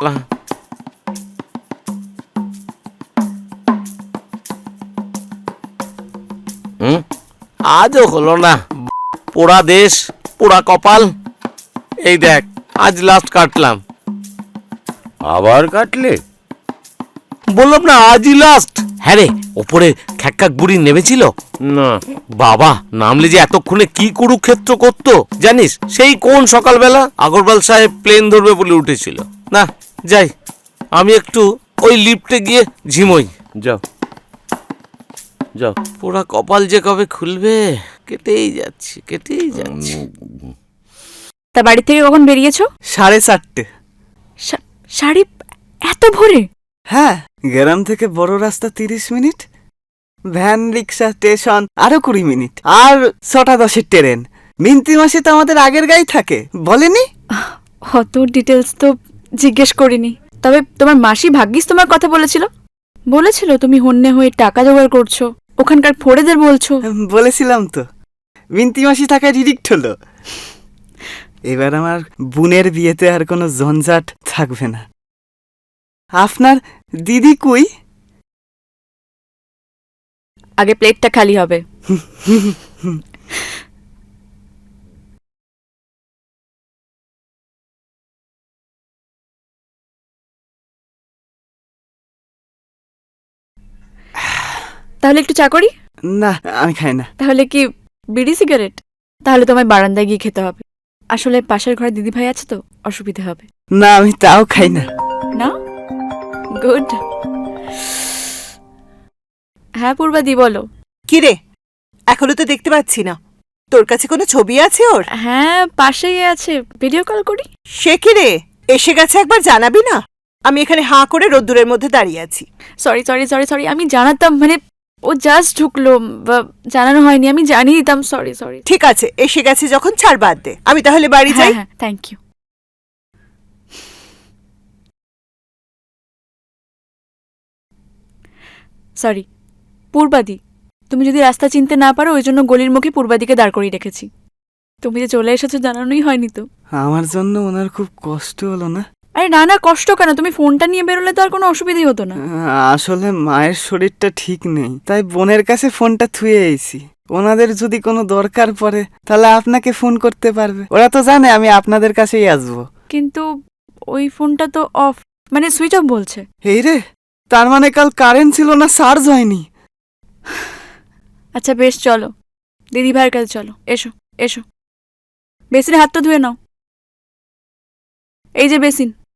না। আজও হলো না, পোড়া দেশ পোড়া কপাল। এই দেখ আজ লাস্ট কাটলাম। আবার কাটলে? বললাম না আজই লাস্ট। হ্যাঁ রে, ওপরে খ্যাক বুড়ি নেমেছিল না। বাবা, নামলে যে এতক্ষণে কি কুরুক্ষেত্র করতো জানিস। সেই কোন সকালবেলা আগরওয়াল সাহেব প্লেন ধরবে বলে উঠেছিল। না যাই, আমি একটু ওই লিফটে গিয়ে ঝিমোই। যাও যাও। পোড়া কপাল যে কবে খুলবে, কেটেই যাচ্ছে। তা বাড়ি থেকে কখন বেরিয়েছো? 4:30। শাড়ি এত ভোরে? হ্যাঁ, গ্রাম থেকে বড় রাস্তা 30 মিনিট, ভ্যান রিক্সা স্টেশন আরো 20 মিনিট, আর 6:10 ট্রেন। মিন্তি মাসি তো আমাদের আগের গাই থাকে, বলেনি? অত ডিটেলস তো জিজ্ঞেস করিনি। তবে তোমার মাসি ভাগ্যিস তোমার কথা বলেছিল তুমি হন্যে হয়ে টাকা জোগাড় করছো, ওখানকার ফোড়েদের বলছো। বলেছিলাম তো, মিন্তি মাসি থাকায় রিডিক্ট হলো। এবার আমার বোনের বিয়েতে আর কোনো ঝঞ্ঝাট থাকবে না। আপনার দিদি কই? আগে প্লেটটা খালি হবে। তাহলে একটু চা করি? না, আমি খাই না। তাহলে কি বিড়ি সিগারেট? তাহলে তোমায় বারান্দায় গিয়ে খেতে হবে। আসলে পাশের ঘরে দিদি ভাই আছে তো, অসুবিধা হবে। না, আমি তাও খাই না। না? গুড। হ্যাঁ পূর্বাদি, বলো। কিরে, এখনো তো দেখতে পাচ্ছি না। তোর কাছে কোনো ছবি আছে ওর? হ্যাঁ পাশেই আছে, ভিডিও কল করি। সে কিরে, এসে গেছে একবার জানাবি না? আমি এখানে হাঁ করে রোদ্দুরের মধ্যে দাঁড়িয়ে আছি। সরি সরি সরি সরি, আমি জানাতাম, মানে ও জাস্ট ঢুকলো, জানানো হয়নি, আমি জানিয়ে দিতাম। Sorry sorry. ঠিক আছে, এসে গেছে যখন ছাড়, বাদ দে। আমি তাহলে বাড়ি যাই। হ্যাঁ থ্যাংক ইউ। সরি পূর্বাদি, তুমি যদি রাস্তা চিনতে না পারো ওই জন্য গলির মুখে পূর্বাদিকে দাঁড় করিয়ে রেখেছি। তুমি যে চলে এসেছো জানানোই হয়নি তো। আমার জন্য ওনার খুব কষ্ট হলো না? আরে না না, কষ্ট কেন, তুমি ফোনটা নিয়ে বেরোলে তো আর কোনো অসুবিধাই হতো না। আসলে মায়ের শরীরটা ঠিক নেই, তাই বোনের কাছে ফোনটা থুয়ে এসেছি। ওনাদের যদি কোনো দরকার পড়ে তাহলে আপনাকে ফোন করতে পারবে। ওরা তো জানে আমি আপনাদের কাছেই আসবো। কিন্তু ওই ফোনটা তো অফ, মানে সুইচ অফ বলছে। এই রে, তার মানে কাল কারেন্ট ছিল না, চার্জ হয়নি। আচ্ছা বেশ, চলো দিদি ভাইয়ের কাছে চলো। এসো এসো, বেসিনে হাতটা ধুয়ে নাও। এই যে বেসিন।